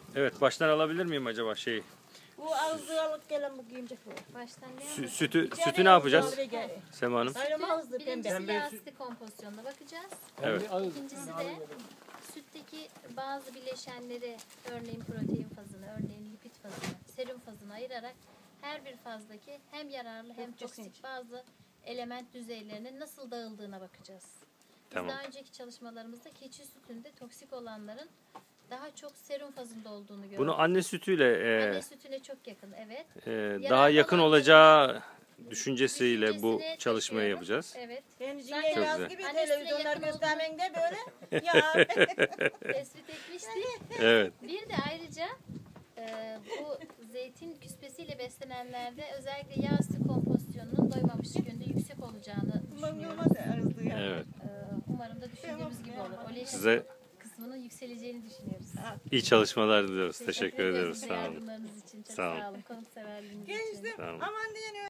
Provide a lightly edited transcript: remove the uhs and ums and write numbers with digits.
Evet, baştan alabilir miyim acaba şeyi? Bu ağzı alıp gelen bu giyimcek bu. Baştan ne Sütü ne yapacağız Sema Hanım? Ayrım ağızlı Birincisi pembe. yağ asidi kompozisyonuna bakacağız. Evet. İkincisi de sütteki bazı bileşenleri, örneğin protein fazını, örneğin lipid fazını, serum fazını ayırarak her bir fazdaki hem yararlı hem toksik bazı element düzeylerinin nasıl dağıldığına bakacağız. Biz Tamam. daha önceki çalışmalarımızda keçi sütünde toksik olanların daha çok serum fazında olduğunu gördük. Bunu anne sütüyle Anne sütüne çok yakın, evet. daha yakın olacağı düşüncesiyle bu Düşüncesini çalışmayı taşıyorum. yapacağız. Evet. Kendiciğine Zaten yaz güzel. gibi Annesine televizyonlar yakın göstermende böyle. Ya. Tespit etmiştik. Evet. Bir de ayrıca bu zeytin küspesiyle beslenenlerde özellikle yağ asidi kompozisyonunun doymamış yönde yüksek olacağını düşünüyoruz. Evet. Umarım da düşündüğümüz gibi olur. Olein Size kısmının yükseleceğini düşünüyoruz. iyi çalışmalar diliyoruz. Teşekkür ediyoruz ediyoruz. Sağ olun. yardımlarınız için. Çok Sağ olun. sağ olun. Konukseverliğiniz için. Gençtim. Tamam. Aman diye